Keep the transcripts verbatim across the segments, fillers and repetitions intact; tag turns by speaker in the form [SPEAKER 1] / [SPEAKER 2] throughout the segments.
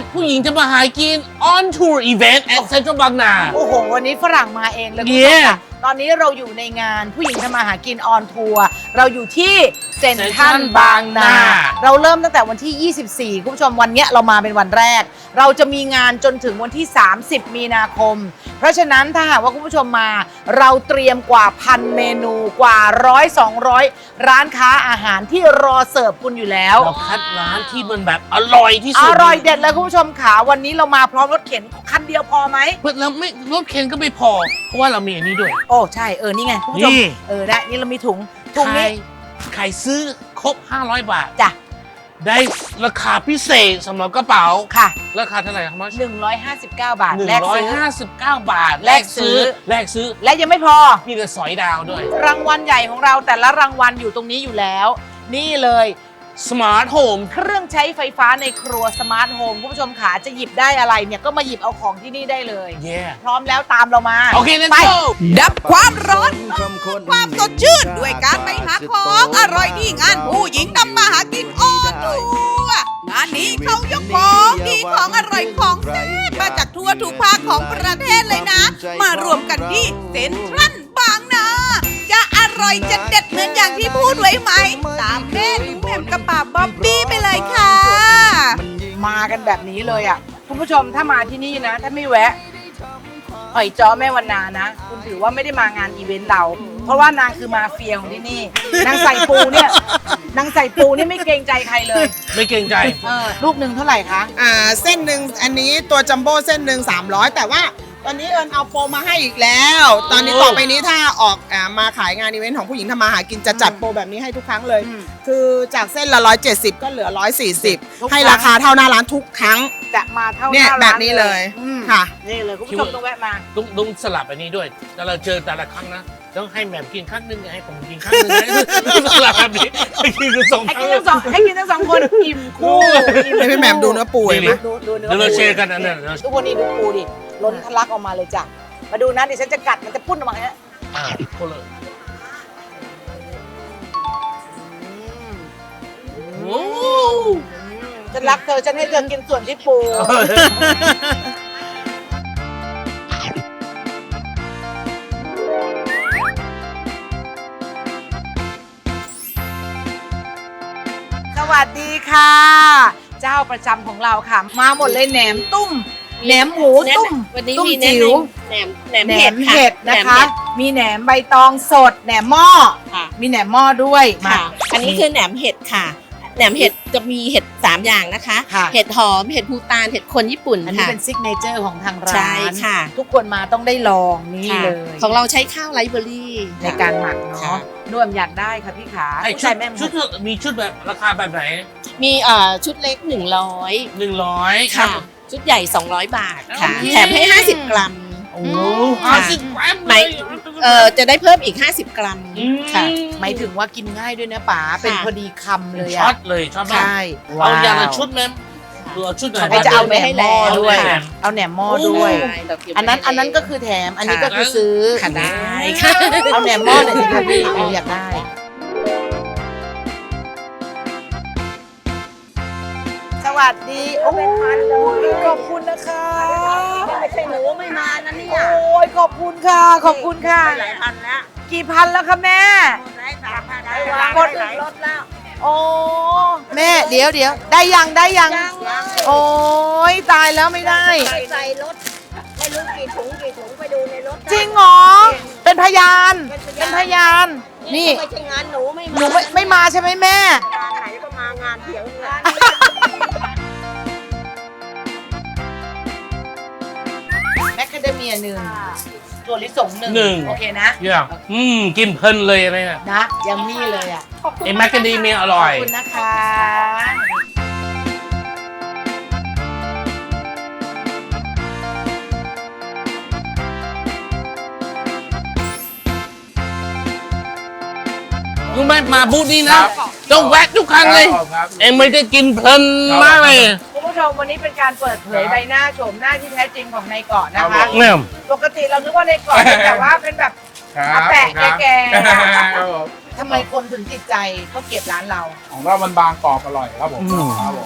[SPEAKER 1] ผู้หญิงจะมาหากิน on tour event at Central บางนา
[SPEAKER 2] โอ้โหวันนี้ฝรั่งมาเองเลยคุณผู้ชมค่ะตอนนี้เราอยู่ในงานผู้หญิงทำมาหากินออนทัวร์เราอยู่ที่เซ็นทรัลบางนาเราเริ่มตั้งแต่วันที่ยี่สิบสี่คุณผู้ชมวันนี้เรามาเป็นวันแรกเราจะมีงานจนถึงวันที่สามสิบมีนาคมเพราะฉะนั้นถ้าหากว่าคุณผู้ชมมาเราเตรียมกว่าพันเมนูกว่าร้อยสองร้อยร้านค้าอาหารที่รอเสิร์ฟคุณอยู่แล้ว
[SPEAKER 1] เราคัดร้านที่มันแบบอร่อยที่สุด
[SPEAKER 2] อร่อยเด็ดเลยคุณผู้ชมขาวันนี้เรามาพร้อมรถเข็นคันเดียวพอไหม
[SPEAKER 1] เพื่อเราไม่รถเข็นก็ไม่พอเพราะว่าเรามีอันนี้ด้วย
[SPEAKER 2] โอ้ใช่เออนี่ไงคุณผู้ชมเออได้นี่เรามีถุงถุงนี้
[SPEAKER 1] ใครซื้อครบห้าร้อยบาท
[SPEAKER 2] จ้ะ
[SPEAKER 1] ได้ราคาพิเศษสำหรับกระเป๋า
[SPEAKER 2] ค่ะ
[SPEAKER 1] ราคาเท่าไหร่ครับ
[SPEAKER 2] หนึ่งร้อยห้าสิบเก้าบาท
[SPEAKER 1] แลกซื้อหนึ่งร้อยห้าสิบเก้าบาท
[SPEAKER 2] แลกซื้อ
[SPEAKER 1] แลกซื้อ
[SPEAKER 2] และยังไม่พอ
[SPEAKER 1] มีกระสอยดาวด้วย
[SPEAKER 2] รางวัลใหญ่ของเราแต่ละรางวัลอยู่ตรงนี้อยู่แล้วนี่เลย
[SPEAKER 1] สมาร์ทโฮม
[SPEAKER 2] เครื่องใช้ไฟฟ้าในครัวสมาร์ทโฮมคุณผู้ชมขาจะหยิบได้อะไรเนี่ยก็มาหยิบเอาของที่นี่ได้เลย
[SPEAKER 1] yeah.
[SPEAKER 2] พร้อมแล้วตามเรามา
[SPEAKER 1] โอเคไป
[SPEAKER 3] ดับความร้อนความสดชื่นด้วยการไปหาของอร่อยที่งานผู้หญิงทำมาหากินออนทัวร์งานนี้เขายกของดีของอร่อยของแซ่บมาจากทั่วทุกภาคของประเทศเลยนะ มารวมกันที่เซ็นทรัลบางนาจะอร่อยจะเด็ดเหมือนอย่างที่พูดไว้ไหมตามแม่หนูแหม่มกระป๋าบ๊อบบี้ไปเลยค่ะ
[SPEAKER 2] มากันแบบนี้เลยอ่ะคุณผู้ชมถ้ามาที่นี่นะถ้าไม่แวะหอยจ้อแม่วันนานะคุณถือว่าไม่ได้มางานอีเวนต์เราเพราะว่านางคือมาเฟียของที่นี่นางใส่ปูเนี่ยนางใส่ปูนี่ไม่เกรงใจใครเลย
[SPEAKER 1] ไม่เกรงใจ
[SPEAKER 2] เออลูกหนึ่งเท่าไหร่คะ
[SPEAKER 4] อ่าเส้นหนึ่งอันนี้ตัวจัมโบ้เส้นหนึ่งสามร้อยแต่ว่าตอนนี้เอิญเอาโปรมาให้อีกแล้วตอนนี้ต่อไปนี้ถ้าออกอ่ามาขายงานอีเวนต์ของผู้หญิงทำมาหากินจะจัดโปรแบบนี้ให้ทุกครั้งเลยคือจากเส้นละร้อยเจ็ดสิบก็เหลือร้อยสี่สิบให้ราคาเท่าหน้าร้านทุกครั้ง
[SPEAKER 2] จะมาเท่าห
[SPEAKER 4] น้า
[SPEAKER 2] ร้าน
[SPEAKER 4] แบบนี้เลยค่ะ
[SPEAKER 2] นี่เลยคุณผู้ชมต้องแวะมา
[SPEAKER 1] ต้องต้องสลับอันนี้ด้วยแต่เราเจอแต่ละครั้งนะต้องให้แหม่มกินครั้งนึงให้ผมกินครั้งนึงสลับแบบนี้ให้กินทั้งสอง
[SPEAKER 2] ให้กินทั้งสองให้กินทั้งสองคนอิ่มคู่
[SPEAKER 4] ให้พี่แหม่มดูเนื้อปูไหม
[SPEAKER 2] ดูดูเนื้อ
[SPEAKER 1] ปูเราเชร์กันอันนั้น
[SPEAKER 2] ทุกคนนี่ดูปูดิล้นทะลักออกมาเลยจ้ะมาดูนะดิฉันจะกัดมันจะพุ่นออกมาเนี่ย
[SPEAKER 1] อ่าพูดเลยโอ้
[SPEAKER 2] ฉันรักเธอฉันให้เธอกินส่วนที่ปูสวัสดีค่ะเจ้าประจำของเราค่ะมาหมดเลยแหนมตุ้มแหนมหมูตุ้ม
[SPEAKER 3] วันนี้
[SPEAKER 2] ตุ้ม
[SPEAKER 3] มี
[SPEAKER 2] จิ๋ว
[SPEAKER 3] แหนมแหนมเห็ด
[SPEAKER 2] เห็ดนะคะมีแหนมใบตองสดแหนมหม้อมีแหนมหม้อด้วย
[SPEAKER 3] มาอันนี้คือแหนมเห็ดค่ะแหนมเห็ดจะมีเห็ดสามอย่างนะคะเห็ดหอมเห็ดภูตานเห็ดคนญี่ปุ่น
[SPEAKER 2] อันนี้เป็นซิกเนเจอร์ของทางร้าน
[SPEAKER 3] ใช่ค่ะ
[SPEAKER 2] ทุกคนมาต้องได้ลองนี่เลย
[SPEAKER 3] ของเราใช้ข้าวไรซ์เบอร์รี่
[SPEAKER 2] ในการหมักเนาะนวมอยากได้ค่ะพี่ขา
[SPEAKER 1] ใช่แม่ชุดมีชุดแบบราคาแบบไหน
[SPEAKER 3] มีเอ่อชุดเล็กหนึ่งร้อย
[SPEAKER 1] หนึ่งร้อย
[SPEAKER 3] ค่ะชุดใหญ่สองร้อยบาทค่ะแถมให้ห้าสิบกรัม
[SPEAKER 1] โอ้ห้าสิบกรัม
[SPEAKER 3] ไหมเอ่อจะได้เพิ่มอีกห้าสิบกรัมค่ะ
[SPEAKER 2] หมายถึงว่ากินง่ายด้วยนะป๋าเป็นพอดีคำเลย
[SPEAKER 1] อะช็อตเลยชอบมากเอาอย่างละชุดแม่ดูเอาชุดไหน
[SPEAKER 2] จะเอาแหนมหม้อด้วยเอาแหนมหม้อด้วยอันนั้นอันนั้นก็คือแถมอันนี้ก็คือซื้อ
[SPEAKER 3] ค่ะได้
[SPEAKER 2] เอาแหนมหม้อหน่อยสิคะพี่อยากได้สวัสดีโอ้ยขอบคุณนะคะ
[SPEAKER 3] ไม่ใช่หนูไม่มานะเนี่ย
[SPEAKER 2] โอ้ยขอบคุณค่ะขอบคุณค่ะ
[SPEAKER 3] หลายพันแล้ว
[SPEAKER 2] กี่พันแล้วคะแม่
[SPEAKER 3] หมดแล้วสามพันแล้วหมดรถแล้ว
[SPEAKER 2] โอ้แม่เดี๋ยวเดี๋ยวได้ยังได้ยังโอ้ยตายแล้วไม่ได้
[SPEAKER 3] ใส่รถไม่รู้กี่ถุงกี่ถุงไปดูในรถ
[SPEAKER 2] จริงเหรอเป็นพยานเป็นพยานนี่
[SPEAKER 3] ไม่ใช่งานหนูไม่
[SPEAKER 2] หนูไม่ไม่มาใช่ไหมแม่
[SPEAKER 3] งานไหนก็มางานเถียงงาน
[SPEAKER 2] แมคคาเดเมียหนึ่งตัวลิสงหนึ่งโอเคนะ
[SPEAKER 1] อย่างอืมกินเพลินเลยอะไรเนี่ย
[SPEAKER 2] นะยังมีเลยอ่ะ
[SPEAKER 1] ไอ้แมคคาเดเมียอร่อย
[SPEAKER 2] ขอบคุณนะคะ
[SPEAKER 1] รู้ไหมมาบูธนี้นะต้องแวะทุกครั้งเลยเอ็มไม่ได้กินเพลินมากเลย
[SPEAKER 2] คุณผู้ชมวันนี้เป็นการเปิดเผยใบหน้าโฉมหน้าที่แท้จริงของนายเกาะนะคะปกติเราคิดว่านายเกาะเป็นแบบว่าเป็นแบบอาแปะแก่ๆทำไมคนถึงติดใจเขาเก็บร้านเรา
[SPEAKER 5] ของเรามันบางกรอบอร่อยครับผมครับผม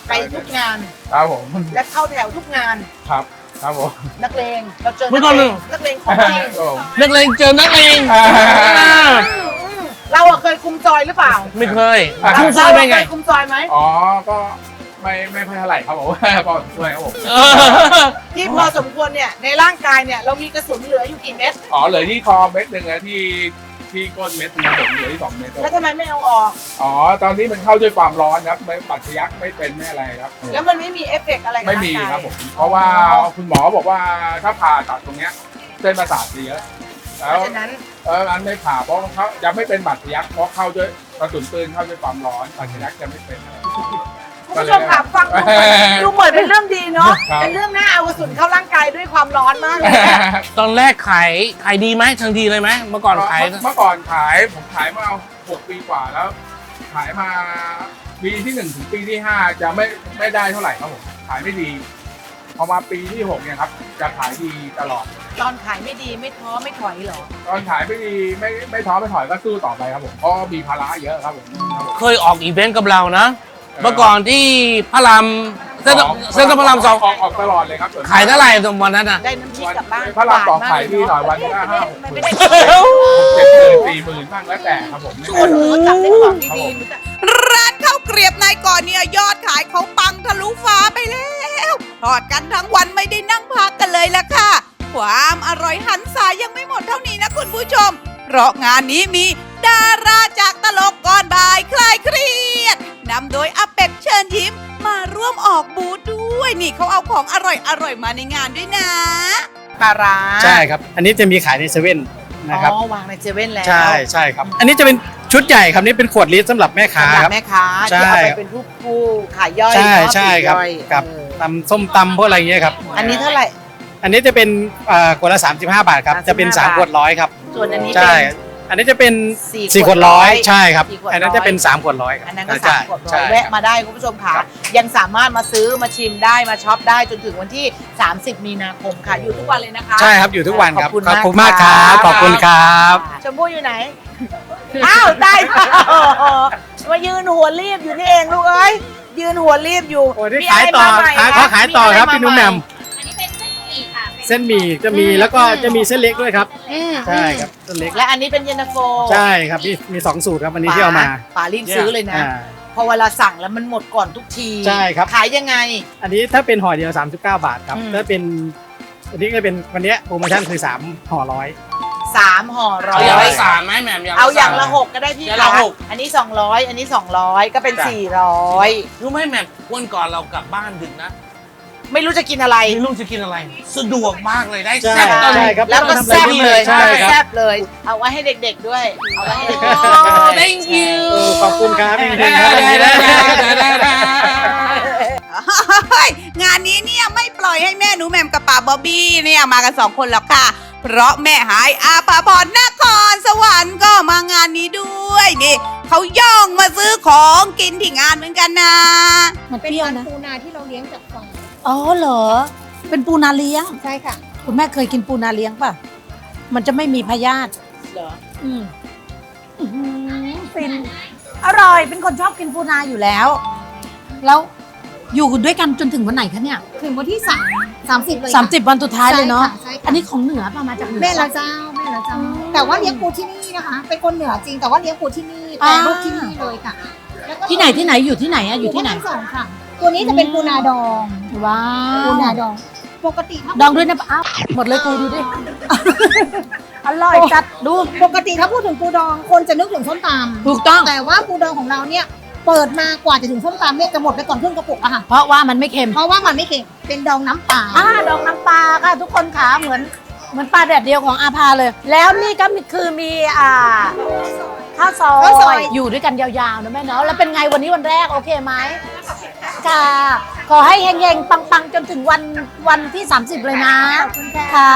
[SPEAKER 2] ไปทุกงาน
[SPEAKER 5] ครับผม
[SPEAKER 2] และเข้าแถวทุกงาน
[SPEAKER 5] ครับครับผม
[SPEAKER 2] นักเลงเราเจอ
[SPEAKER 1] เมื่
[SPEAKER 2] นั
[SPEAKER 1] อก ก่อน
[SPEAKER 2] เล
[SPEAKER 1] หนึ่
[SPEAKER 2] ง
[SPEAKER 1] ง
[SPEAKER 2] นักเลงของจริง
[SPEAKER 5] ครับผม
[SPEAKER 1] นักเลงเจอนักเลง
[SPEAKER 5] อ่า
[SPEAKER 1] อ่า
[SPEAKER 2] เราอะเคยคุมจอยหรือเปล่า
[SPEAKER 1] ไม่เคย
[SPEAKER 5] อ่า
[SPEAKER 1] คุมซอยเป็นไง
[SPEAKER 2] เราเคยคุมจอยไหม
[SPEAKER 5] อ๋อก็ไม่ไม่ค่อยเท่าไหร่ครับผม พอช่วยครับผม
[SPEAKER 1] เออ
[SPEAKER 2] ที่พอสมควรเนี่ยในร่างกายเนี่ยเรามีกระสุนเหลืออยู่กี่เม็ด
[SPEAKER 5] อ๋อเหลือที่คอเม็ดหนึ่งอะที่ที่ก้นเม็ดหนึงครับผมเหลือที่สองเม็ดครับ
[SPEAKER 2] แล้วทำไมไม่เอาออก
[SPEAKER 5] อ๋อตอนนี้มันเข้าด้วยความร้อนครับไม่ปัดทะยักไม่เป็นไม่อะไรครับ
[SPEAKER 2] แล้วมันไม่มีเอฟเฟกต์อะไรกับ
[SPEAKER 5] ไม่
[SPEAKER 2] ร่าง
[SPEAKER 5] มี
[SPEAKER 2] กาย
[SPEAKER 5] ครับผม เพราะว่าคุณหมอบอกว่าถ้าผ่าตัดตรงเนี้ยเส้นประสาทเสีย
[SPEAKER 2] เพ
[SPEAKER 5] แล้ว
[SPEAKER 2] ราะฉะนั้น
[SPEAKER 5] เอออันไม่ผ่าเพราะเขาจะไม่เป็นบาดทะยักเพราะเข้าด้วยกระสุนปืนเข้าด้วยความร้อนบาดทะยักจะไม่เป็น
[SPEAKER 2] คุณผู้ชมค่ะฟังดูเหมือนดูเหมือนเป็นเรื่องดีเนาะ
[SPEAKER 5] ครับ
[SPEAKER 2] เป็นเรื่องน่าเอากระสุนเข้าร่างกายด้วยความร้อนมากเลยอะ
[SPEAKER 1] ตอนแรกขายขายดีไหมทันทีเลยไหมเมื่อก่อนขาย
[SPEAKER 5] เมื่อก่อนขายผมขายมาหกปีกว่าแล้ว ขายมาปีที่หนึ่งถึงปีที่ห้าจะไม่ไม่ได้เท่าไหร่ครับผมขายไม่ดี พอมาปีที่หกเนี่ยครับจะขายดีตลอด
[SPEAKER 2] ตอนขายไม่ดีไม่ท้อไม่ถอยเหรอ
[SPEAKER 5] ตอนขายไม่ดีไม่ไม่ท้อไม่ถอยก็สู้ต่อไปครับผมเพราะมีภาระเยอะครับผมครับผม
[SPEAKER 1] เคยออกอีเวนต์กับเรานะ เมื่อก่อนที่พระรามเส้นเส้นพระรามสอง
[SPEAKER 5] ออกออกตลอดเลยครับ
[SPEAKER 1] ขายเท่าไหร่ตรงวันนั้นอ่ะ
[SPEAKER 2] ได้น้ำพริกกลับบ้าน
[SPEAKER 5] พระรามสอง
[SPEAKER 2] หว
[SPEAKER 5] ขายที่หน่อยวัน
[SPEAKER 2] ไม่
[SPEAKER 5] ละ
[SPEAKER 2] ได้
[SPEAKER 5] ห้าหก
[SPEAKER 2] ไม่
[SPEAKER 5] หมื่
[SPEAKER 2] ได้
[SPEAKER 5] น
[SPEAKER 2] ไม่ได้
[SPEAKER 5] เจ็ดหมื่นสี่หมื่นบ้างแล้วแต่ครับผม
[SPEAKER 2] โอ้โหจับได้ของดีๆรู้จัก
[SPEAKER 3] ร้านข้าวเกรียบนายก่อนเนี่ยยอดขายเขาปังทะลุฟ้าไปแล้วทอดกันทั้งวันไม่ได้นั่งพักกันเลยล่ะค่ะ ความอร่อยหันษายังไม่หมดเท่านี้นะคุณผู้ชม เพราะงานนี้มีดาราจากตลกก่อนบ่ายคลายเครียดนำโดยอาเป็ดเชิญยิ้มมาร่วมออกบูธด้วยนี่เขาเอาของอร่อยอร่อยๆมาในงานด้วยนะ
[SPEAKER 2] ปลาร้า
[SPEAKER 6] ใช่ครับ อันนี้จะมีขายในเซเว่นนะครับ
[SPEAKER 2] อ๋อวางในเซเว่นแล้ว
[SPEAKER 6] ใช่ใช่ครับ อันนี้จะเป็นชุดใหญ่ครับนี่เป็นขวดลิตรสำหรับแม่ค้า
[SPEAKER 2] สำหรับ
[SPEAKER 6] ครับ
[SPEAKER 2] แม่ค้า
[SPEAKER 6] ใช่
[SPEAKER 2] ที่เอาไปเป็นผู้ผู้ขายย่อย
[SPEAKER 6] ใช่
[SPEAKER 2] เนาะ
[SPEAKER 6] ใช่ครับ
[SPEAKER 2] ปลีกย่อย
[SPEAKER 6] กับ
[SPEAKER 2] เออ
[SPEAKER 6] ตำส้มตำพวกอะไรเงี้ยครับ
[SPEAKER 2] อันนี้เท่าไหร่
[SPEAKER 6] อันนี้จะเป็นเอ่อขวดละสามสิบห้าบาทครับ
[SPEAKER 2] สามสิบห้า
[SPEAKER 6] จะเป็นสาม
[SPEAKER 2] บาท
[SPEAKER 6] ขวดร้อยครับ
[SPEAKER 2] ส่วนอันนี้
[SPEAKER 6] ใช่
[SPEAKER 2] เป็น
[SPEAKER 6] อันนี้จะเป็น
[SPEAKER 2] สี่
[SPEAKER 6] สี่
[SPEAKER 2] ข
[SPEAKER 6] ข
[SPEAKER 2] ว
[SPEAKER 6] ว
[SPEAKER 2] ด
[SPEAKER 6] ด
[SPEAKER 2] ร้
[SPEAKER 6] ร้
[SPEAKER 2] อ
[SPEAKER 6] อย ยใช่ครับ
[SPEAKER 2] สี่ขวด
[SPEAKER 6] อันนั้น
[SPEAKER 2] ร้อย
[SPEAKER 6] จะเป็นสามขวดร้อยครับ
[SPEAKER 2] อันนั้นก็
[SPEAKER 6] ใช่
[SPEAKER 2] สามขวดร้อ
[SPEAKER 6] ใช่
[SPEAKER 2] ย
[SPEAKER 6] ครับ
[SPEAKER 2] แวะมาได้คุณผู้ชมค่ะ
[SPEAKER 6] ครับ
[SPEAKER 2] ยังสามารถมาซื้อมาชิมได้มาช็อปได้จนถึงวันที่ สามสิบ มีนาคมค่ะ อยู่ทุกวันเลยนะคะ
[SPEAKER 6] ใช่ครับอยู่ทุกวันครับ
[SPEAKER 2] ขอบคุณ
[SPEAKER 6] ขอบคุณ
[SPEAKER 2] มาม
[SPEAKER 6] าก ก
[SPEAKER 2] ค
[SPEAKER 6] ค
[SPEAKER 2] รั
[SPEAKER 6] รับ บขอบคุณครับ
[SPEAKER 2] ชมพู่อยู่ไหน อ้าวได้ค่ะมายืนหัวรีบอยู่นี่เองลูกเอ้ยยืนหัวรีบอยู่
[SPEAKER 6] โอ้นี่
[SPEAKER 2] มี
[SPEAKER 6] ขายต่อ
[SPEAKER 2] อะไรมใหม่
[SPEAKER 6] ขาย
[SPEAKER 2] คะ
[SPEAKER 6] เขาขายต่อครับ
[SPEAKER 2] ะไ
[SPEAKER 6] พี่นุ่มแหม่ม
[SPEAKER 7] อันนี้เป็นเส้นหมี่ค่ะ
[SPEAKER 6] เส้นหมี่จะมี
[SPEAKER 2] อืม
[SPEAKER 6] แล้วก็จะมีเส้นเล็กด้วยครับ
[SPEAKER 2] อืม
[SPEAKER 6] ใช่ครับเส้นเล็ก
[SPEAKER 2] และอันนี้เป็นเย็นตาโฟ
[SPEAKER 6] ใช่ครับมีมีสองสูตรครับวันนี้ที่เอามา
[SPEAKER 2] ป๋ารีบซื้อเลยนะ
[SPEAKER 6] อ่า
[SPEAKER 2] พอเวลาสั่งแล้วมันหมดก่อนทุกที
[SPEAKER 6] ใช่ครับ
[SPEAKER 2] ขายยังไง
[SPEAKER 6] อันนี้ถ้าเป็นห่อเดียวสามสิบเก้าบาทครับ
[SPEAKER 2] อืม
[SPEAKER 6] ถ้าเป็นอันนี้ก็เป็นวันเนี้ยโปรโมชั่นคือสามห่อร้อย
[SPEAKER 2] สามห่อร้อ
[SPEAKER 1] เอาอย่าง
[SPEAKER 2] ย
[SPEAKER 1] ละสามไหมแหม่มอย่างละ
[SPEAKER 2] เอาอย่าง
[SPEAKER 1] สม
[SPEAKER 2] ละหกก็ได้พี่
[SPEAKER 1] อย่างละ
[SPEAKER 2] คะ
[SPEAKER 1] หก
[SPEAKER 2] อันนี้สองร้อยอันนี้สองร้อยก็เป็น
[SPEAKER 6] จ้ะ
[SPEAKER 2] สี่ร้อย
[SPEAKER 1] รู้ไหมแหม่มวันก่อนเรากลับบ้านดึกนะ
[SPEAKER 2] ไม่รู้จะกินอะไร
[SPEAKER 1] ไม่รู้จะกินอะไร สะดวกมากเลยได้
[SPEAKER 6] ใช่
[SPEAKER 1] แซ่บตอน
[SPEAKER 6] ใช่
[SPEAKER 1] นี้
[SPEAKER 6] ครับ
[SPEAKER 2] แล้วก็แซ่บเลย
[SPEAKER 6] ใช่ครับ
[SPEAKER 2] แซ่บเลย เอาไว้ให้เด็กๆด้วย เอาไว้ให้เด็ก
[SPEAKER 1] โอ้
[SPEAKER 2] ๆ
[SPEAKER 1] thank you
[SPEAKER 6] เออขอบคุณครับพี่
[SPEAKER 1] ได้
[SPEAKER 6] เคนครับ
[SPEAKER 1] ได้ได้ได้ได้
[SPEAKER 3] เฮ้ยงานนี้เนี่ยไม่ปล่อยให้แม่หนูแหม่มกับป่าบอบบี้เนี่ยมากันสองคนหรอกค่ะ เพราะแม่หายอาภาพรนครสวรรค์ก็มางานนี้ด้วยนี่เขาย่องมาซื้อของกินที่งานเหมือนกันนะ
[SPEAKER 7] มันเปรี้ยวนะปูนาที่เราเลี้ยงจากฟาร์ม
[SPEAKER 8] อ๋อเหรอ เป็นปูนาเลี้ยง
[SPEAKER 7] ใช่ค่ะ
[SPEAKER 8] คุณแม่เคยกินปูนาเลี้ยงป่ะ มันจะไม่มีพยาธิ
[SPEAKER 2] เหรอ
[SPEAKER 8] อืมอื้อหือฟิน อร่อย เป็นคนชอบกินปูนาอยู่แล้ว แล้วอยู่ด้วยกันจนถึงวันไหนคะเนี่ย
[SPEAKER 7] ถึงวันที่สามสามสิบเลย
[SPEAKER 8] สามสิบวันสุดท้ายเลยเนาะ
[SPEAKER 7] ใช่ค่ะ
[SPEAKER 8] อันนี้ของเหนือป่ะมาจากเหนือ
[SPEAKER 7] แม่ละเจ้าแม่ละเจ้า แต่ว่าเลี้ยงปูที่นี่นะคะ เป็นคนเหนือจริงแต่ว่าเลี้ยงปูที่นี่แปรรูปที่นี่เลยค่ะแล้วก็
[SPEAKER 8] ที่ไหนที่ไหนอยู่ที่ไหนอะอยู่ที่ไหน
[SPEAKER 7] ทั้งสองค่ะ ตัวนี้จะเป็นปูนาดอง
[SPEAKER 8] ว้า
[SPEAKER 7] ปู
[SPEAKER 8] ว
[SPEAKER 7] นาดอง ปกติถ้า
[SPEAKER 8] ดองด้วยนะอ้าวหมดเลยกูดูดิ อร่อยจัดดู
[SPEAKER 7] ปกติถ้าพูดถึงปูดองคนจะนึกถึงส้มตำ
[SPEAKER 8] ถูกต้อง
[SPEAKER 7] แต่ว่าปูดองของเราเนี่ยเปิดมากว่าจะถึงส้มตำเนี่ยจะหมดไปก่อนครึ่งกระปุกอะค่ะ
[SPEAKER 8] เพราะว่ามันไม่เค็ม
[SPEAKER 7] เพราะว่ามันไม่เค็มเป็นดองน้ำเปล่า
[SPEAKER 8] อ่าดองน้ำปลาค่ะทุกคนขาเหมือนเหมือนปลาแดดเดียวของอาภาเลย แล้วนี่ก็มีคือมีอ่าข้าวซอยอยู่ด้วยกันยาวๆนะแม่เนาะแล้วเป็นไงวันนี้วันแรกโอเคไหมค่ะขอให้เฮงๆปังๆจนถึงวันวันที่สามสิบเลยนะค่ะ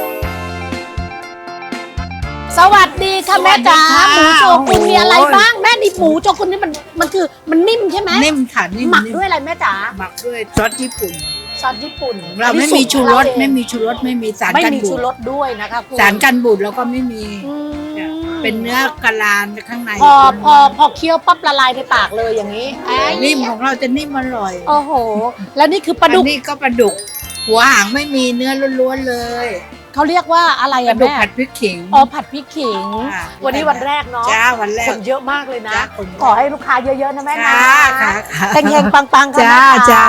[SPEAKER 8] สวัสดีค่ะแม่จ๋าหมูโจกุนมีอะไรบ้างแม่นี่หมูโจกุนนี่มันมันคือมันนิ่มใช่ไหม
[SPEAKER 9] นิ่มค่ะนิ่ม
[SPEAKER 8] หมัก
[SPEAKER 9] นิ่ม
[SPEAKER 8] ด้วยอะไรแม่จ๋า
[SPEAKER 9] หมักด้วยซอสญี่ปุ่น
[SPEAKER 8] ซอสญี่ปุ่น
[SPEAKER 9] เราไม่มีชูรสไม่มีชูรสไม่มีสาร
[SPEAKER 8] ไม่
[SPEAKER 9] กัน
[SPEAKER 8] มี
[SPEAKER 9] บู
[SPEAKER 8] ชู
[SPEAKER 9] ด
[SPEAKER 8] รสด้วยนะคะคุณ
[SPEAKER 9] สารกันบูดเราก็ไม่มี
[SPEAKER 8] อืม
[SPEAKER 9] เป็นเนื้อกะลาข้างใน
[SPEAKER 8] พอพอพอเคี้ยวปั๊บละลายในปากเลยอย่างนี้ไอ้
[SPEAKER 9] นิ่มของเราจะนิ่มอร่อย
[SPEAKER 8] โอ้โห แล้วนี่คือปลาดุก
[SPEAKER 9] อันนี่ก็ปลาดุก หัวหางไม่มีเนื้อล้วนๆเลย
[SPEAKER 8] เขาเรียกว่าอะไร
[SPEAKER 9] ปลา
[SPEAKER 8] อะ
[SPEAKER 9] ดุก
[SPEAKER 8] แม่
[SPEAKER 9] ผัดพริกขิง
[SPEAKER 8] อ๋อผัดพริกขิง
[SPEAKER 9] ค่ะ
[SPEAKER 8] วันนี้วันแรกเนาะ
[SPEAKER 9] จ้าวันแรก
[SPEAKER 8] คนเยอะมากเลยนะ
[SPEAKER 9] จ้าคนเยอะ
[SPEAKER 8] ขอให้ลูกค้าเยอะๆนะแม่นะ
[SPEAKER 9] ค่ะค่ะค่ะ
[SPEAKER 8] เฮงๆปังๆกัน
[SPEAKER 9] จ้า
[SPEAKER 8] นะคะ
[SPEAKER 9] จ้า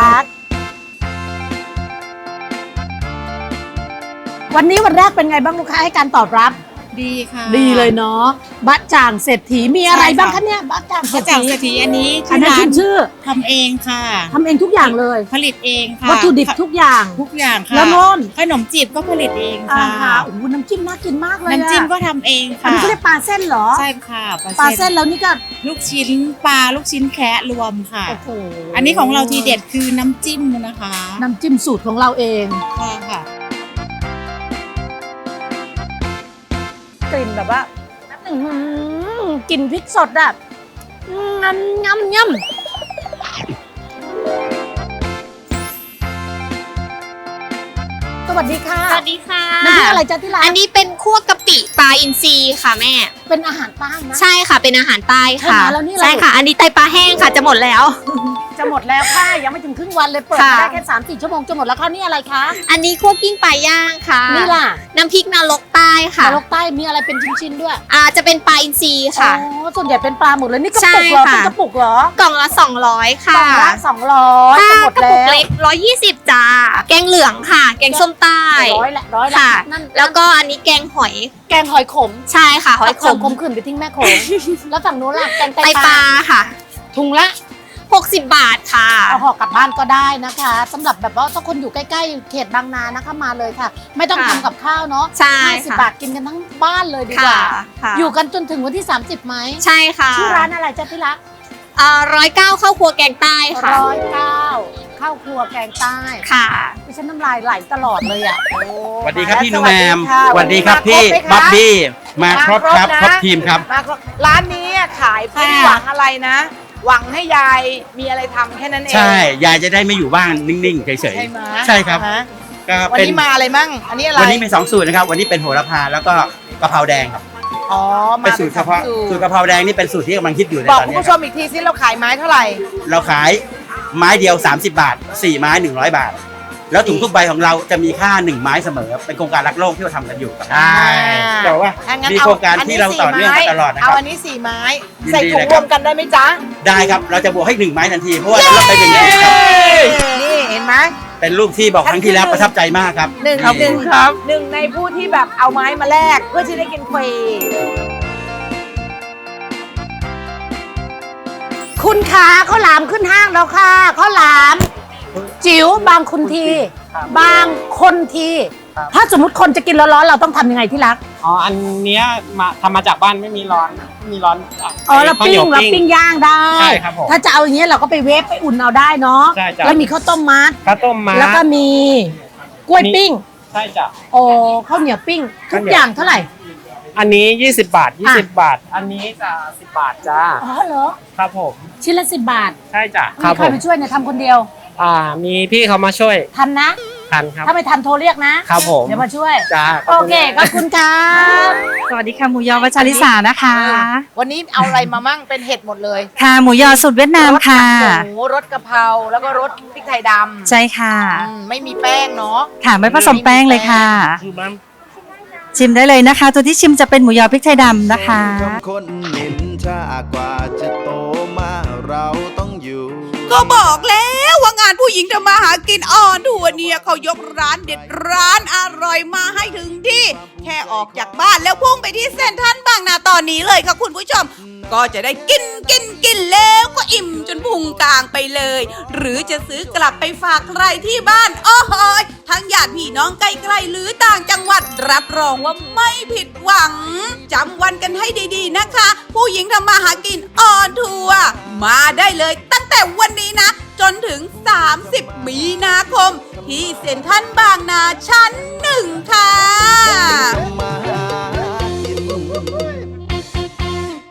[SPEAKER 8] วันนี้วันแรกเป็นไงบ้างลูกค้าให้การตอบรับ
[SPEAKER 9] ดีค่ะ
[SPEAKER 8] ดีเลยเนาะบะจ่างเศรษฐีมีอะไร
[SPEAKER 9] ใช่ค่ะ
[SPEAKER 8] บ้างคะเนี่ยบะจ่างเศร
[SPEAKER 9] มา
[SPEAKER 8] ษ
[SPEAKER 9] จาก
[SPEAKER 8] ฐี
[SPEAKER 9] เศรษฐีอันนี้
[SPEAKER 8] อันนั้นขึ้นชื่อ
[SPEAKER 9] ทำเองค่ะ
[SPEAKER 8] ทำเองทุกอย่างเลย
[SPEAKER 9] ผลิตเองค่ะ
[SPEAKER 8] วัตถุดิบทุกอย่าง
[SPEAKER 9] ทุกอย่างค่ะ
[SPEAKER 8] แล้วโน่น
[SPEAKER 9] ขนมจีบก็ผลิตเอง
[SPEAKER 8] อ่า
[SPEAKER 9] ค่ะ
[SPEAKER 8] ฮะโอ้โหน้ำจิ้มน่ากินมากเลยอะ
[SPEAKER 9] น้ำจิ้มก็ทำเอง
[SPEAKER 8] อัน
[SPEAKER 9] ค่ะ
[SPEAKER 8] นี้เขาเรียกปลาเส้นเหรอ
[SPEAKER 9] ใช่ค่ะ
[SPEAKER 8] ปลาเส้นแล้วนี่ก็
[SPEAKER 9] ลูกชิ้นปลาลูกชิ้นแคะรวมค่ะ
[SPEAKER 8] โอ้โห
[SPEAKER 9] อันนี้ของเราทีเด็ดคือน้ำจิ้มนะคะ
[SPEAKER 8] น้ำจิ้มสูตรของเราเอง
[SPEAKER 9] ค่ะค่ะ
[SPEAKER 8] กลิ่นแบบว่าอื้อหือกลิ่นพริกสดอะงำงำยำสวัสดีค่ะ
[SPEAKER 10] สวัสดีค่ะ
[SPEAKER 8] น้ำพริกอะไรจ๊ะที่ร้าน
[SPEAKER 10] อันนี้เป็นคั่วกะปิปลาอินทรีค่ะแม่
[SPEAKER 8] เป็นอาหารใต้นะ
[SPEAKER 10] ใช่ค่ะเป็นอาหารใต้ค่ะ
[SPEAKER 8] ใช่ไหมแล้วนี่อะไร
[SPEAKER 10] ใช่ค่ะ อันนี้ไตปลาแห้งค่ะจะหมดแล้ว
[SPEAKER 8] จะหมดแล้วค่ะยังไม่ถึงครึ่งวันเลยเปิด
[SPEAKER 10] ค่ะ
[SPEAKER 8] มาได้แค่สามสี่ชั่วโมงจะหมดแล้วค่ะนี่อะไรคะ
[SPEAKER 10] อันนี้คั่วกิ้งปลาย่างค่ะ
[SPEAKER 8] นี่ล่ะ
[SPEAKER 10] น้ำพริกนรกใต้ค่ะ
[SPEAKER 8] นรกใต้มีอะไรเป็นชิ้นๆด้วย
[SPEAKER 10] อ่าจะเป็นปลาอินทรีค่ะ
[SPEAKER 8] อ๋อส่วนใหญ่เป็นปลาหมดเลยนี่กระ
[SPEAKER 10] ใช่
[SPEAKER 8] ปุกเหรอ
[SPEAKER 10] ค่ะ
[SPEAKER 8] เป็นกระปุกเหรอก
[SPEAKER 10] ล่องละสองร้อย
[SPEAKER 8] กล่
[SPEAKER 10] ค่ะ
[SPEAKER 8] องละสองร้อย
[SPEAKER 10] ถ้า
[SPEAKER 8] จะหมด
[SPEAKER 10] กระ
[SPEAKER 8] แล้
[SPEAKER 10] ปุก
[SPEAKER 8] ว
[SPEAKER 10] เล็กร้อยยี่สิบจ้าแกงเหลืองค่ะ แกงส้มใต้
[SPEAKER 8] ร้อยละร้อยละ
[SPEAKER 10] ค่ะ
[SPEAKER 8] นั่น
[SPEAKER 10] แล้วก็อันนี้แกงหอย
[SPEAKER 8] แกงหอยขม
[SPEAKER 10] ใช่ค่ะหอยข
[SPEAKER 8] ส่ง
[SPEAKER 10] ม
[SPEAKER 8] ขมขื่นไปทิ้งแม่โขงแล้วฝั่งนู้นล่ะแกงไต
[SPEAKER 10] ไต
[SPEAKER 8] ป
[SPEAKER 10] ป
[SPEAKER 8] ลา
[SPEAKER 10] ลาค่ะ
[SPEAKER 8] ถุงละ
[SPEAKER 10] หกสิบบาทค่ะ
[SPEAKER 8] เอาห่อกลับบ้านก็ได้นะคะสำหรับแบบว่าถ้าคนอยู่ใกล้ๆเขตบางนานะคะมาเลยค่ะ ไม่ต้อง
[SPEAKER 10] ค่ะ
[SPEAKER 8] ทำกับข้าวเนาะ
[SPEAKER 10] ใช่
[SPEAKER 8] ห้าสิบ
[SPEAKER 10] ค่ะ
[SPEAKER 8] บาทกินกันทั้งบ้านเลยดีกว่า
[SPEAKER 10] ค่ะ
[SPEAKER 8] อยู่กันจนถึงวันที่ สามสิบไหม
[SPEAKER 10] ใช่ค่ะ
[SPEAKER 8] ชื่อร้านอะไรจ๊ะที่รัก
[SPEAKER 10] อ่าร้อยเก้าข้าวครัวแกงใต้ค่ะ
[SPEAKER 8] ร้อยเก้าข้าวครัวแกงใต้
[SPEAKER 10] ค่ะ
[SPEAKER 8] ดิฉันน้ำลายไหลตลอดเลยอ่ะ
[SPEAKER 11] สวัสดีครับพี่หนู
[SPEAKER 2] ส
[SPEAKER 11] แห
[SPEAKER 2] วั
[SPEAKER 11] ม
[SPEAKER 2] สดี
[SPEAKER 11] ม
[SPEAKER 2] ค่ะ
[SPEAKER 11] สวัสดีครับพี่
[SPEAKER 2] วันนี้มาครบไหมคะ
[SPEAKER 11] บ๊อบบี้มาครบครับ
[SPEAKER 2] มา
[SPEAKER 11] ค
[SPEAKER 2] ค
[SPEAKER 11] ร
[SPEAKER 2] ร
[SPEAKER 11] บบ
[SPEAKER 2] นะ
[SPEAKER 11] ทีมครับ
[SPEAKER 2] มาครับร้านนี้ขายเพื่อหวังอะไรนะ หวังให้ยายมีอะไรทำแค่นั้นเอง
[SPEAKER 11] ใช่ ยายจะได้ไม่อยู่บ้านนิ่งๆเฉย
[SPEAKER 2] ใช่ไหม
[SPEAKER 11] ๆใช่ครับ
[SPEAKER 2] ฮะ
[SPEAKER 11] ก็
[SPEAKER 2] วัน
[SPEAKER 11] เป็น
[SPEAKER 2] นี้มาอะไรมั่ง อันนี้อะไร
[SPEAKER 11] วันนี้มีสองสูตรนะครับ วันนี้เป็นโหระพาแล้วก็กะเพราแดงครับ
[SPEAKER 2] อ๋อ มา
[SPEAKER 11] เป็นสูตรเฉพาะ
[SPEAKER 2] สู
[SPEAKER 11] สูต
[SPEAKER 2] ต
[SPEAKER 11] ร
[SPEAKER 2] ร
[SPEAKER 11] กะเพราแดงนี่เป็นสูตรที่กำลังคิดอยู่ใน
[SPEAKER 2] บอก
[SPEAKER 11] ตอน
[SPEAKER 2] คุณ
[SPEAKER 11] นี้
[SPEAKER 2] ผู้ชมอีกทีซิเราขายไม้เท่าไหร่
[SPEAKER 11] เราขายไม้เดียว สามสิบบาทสี่ไม้หนึ่งร้อยบาท แล้วถุงทุกใบของเราจะมีค่าหนึ่งไม้เสมอ เป็นโครงการรักโลกที่เราทำกันอยู่ครับ
[SPEAKER 2] อ่า
[SPEAKER 11] แต่ว่า
[SPEAKER 2] ถ้างั้น
[SPEAKER 11] มี
[SPEAKER 2] เอา
[SPEAKER 11] โครงการที่เราต่อเนื่องมาตลอดนะค
[SPEAKER 2] เอา
[SPEAKER 11] รับ
[SPEAKER 2] อันนี้สี่ไม้
[SPEAKER 11] ยินดี
[SPEAKER 2] ใส่ถุง
[SPEAKER 11] เลย
[SPEAKER 2] ร
[SPEAKER 11] ครั
[SPEAKER 2] ว
[SPEAKER 11] บ
[SPEAKER 2] มกันได้ไหมจ๊ะ
[SPEAKER 11] ได้ครับ เราจะบวกให้หนึ่งไม้ทันที เพราะว่าเราไปเป็นหนึ่งครับ
[SPEAKER 2] นี่เห็นไหม
[SPEAKER 11] เป็นรูปที่บอกครั้งที่แล้วประทับใจมากครับ
[SPEAKER 2] หนึ่ง
[SPEAKER 11] นี่
[SPEAKER 2] หนึ่งหนึ่งในผู้ที่แบบเอาไม้มาแลกเพื่อที่ได้กินฟรี
[SPEAKER 8] คุณขาข้าวหลามขึ้นห้างแล้วค่ะข้าวหลาม จิ๋วบางคุณที บางคนที ถ้าสมมติคนจะกินร้อนๆเราต้องทำยังไงที่รัก
[SPEAKER 6] อ๋อ อันเนี้ยมาทำมาจากบ้านไม่มีร้อนไม่มีร้อนอ่ะ
[SPEAKER 8] อ๋อเรา
[SPEAKER 6] ข้ว
[SPEAKER 8] ปิ้
[SPEAKER 6] หนี
[SPEAKER 8] ง
[SPEAKER 6] ยว
[SPEAKER 8] เราปิ้งย่างได้
[SPEAKER 6] ใช่ครับผม
[SPEAKER 8] ถ้าจะเอาอย่างเงี้ยเราก็ไปเวฟไปอุ่นเอาได้เนาะ
[SPEAKER 6] ใช่จ้ะ
[SPEAKER 8] แล้วมีข้าวต้มมัด
[SPEAKER 6] ข้าวต้มมา
[SPEAKER 8] แล้วก็มีกล้วยปิ้ง
[SPEAKER 6] ใช่จ้ะ
[SPEAKER 8] โอ้ข้าวเหนียวปิ้งทุ
[SPEAKER 6] ข้าว
[SPEAKER 8] ก
[SPEAKER 6] เหนียว
[SPEAKER 8] อย่างเท่าไหร่
[SPEAKER 6] อันนี้ยี่สิบบาทยี่
[SPEAKER 8] อ่ะ
[SPEAKER 6] สิบบาท อันนี้จะสิบบาทจ้า
[SPEAKER 8] อ๋อเหรอ
[SPEAKER 6] ครับผม
[SPEAKER 8] ชิ้นละสิบบาท
[SPEAKER 6] ใช่จ้ะ
[SPEAKER 8] มีใครไปช่วยเนี่ยทำคนเดียว
[SPEAKER 6] อ่า มีพี่เขามาช่วย
[SPEAKER 8] ทันนะ
[SPEAKER 6] ทันครับ
[SPEAKER 8] ถ้าไม่ทันโทรเรียกนะครับ
[SPEAKER 6] ผม
[SPEAKER 8] เดี๋ยวมาช่วย
[SPEAKER 6] จ้า
[SPEAKER 8] โอเคขอบคุณครับ
[SPEAKER 12] สวัสดีค่ะหมูยอวัชริสานะคะ
[SPEAKER 2] วันนี้เอาอะไรมามั่งเป็นเห็ดหมดเลย
[SPEAKER 12] ค่ะหมูยอสูตรเวียดนามค่ะ
[SPEAKER 2] รสหมูรสกะเพราแล้วก็รสพริกไทยดำ
[SPEAKER 12] ใช่ค่ะ
[SPEAKER 2] อืมไม่มีแป้งเนาะ
[SPEAKER 12] ค่ะไม่ผสมแป้งเลยค่ะ
[SPEAKER 1] คือมัน
[SPEAKER 12] ชิมได้เลยนะคะ ตัวที่ชิมจะเป็นหมูยอพริกไทยดำนะคะ
[SPEAKER 13] คนนินทากว่าจะโตมาเราต้องอยู่
[SPEAKER 3] ก็บอกแล้วว่างานผู้หญิงทำมาหากินออนทัวร์เนี่ยเขายกร้านเด็ดร้านอร่อยมาให้ถึงที่ แค่ออกจากบ้านแล้วพุ่งไปที่เซ็นทรัลบางนาตอนนี้เลยค่ะคุณผู้ชม ก็จะได้กินกินกินแล้วก็อิ่มจนพุงกลางไปเลย หรือจะซื้อกลับไปฝากใครที่บ้านโอ้โหยทั้งญาติพี่น้องใกล้ๆหรือต่างจังหวัดรับรองว่าไม่ผิดหวังจำวันกันให้ดีๆนะคะ ผู้หญิงทำมาหากินออนทัวร์มาได้เลยตั้งแต่วันนี้นะ จนถึง สามสิบ มีนาคม ที่เซ็นทรัลบางนาชั้นหนึ่งค่ะ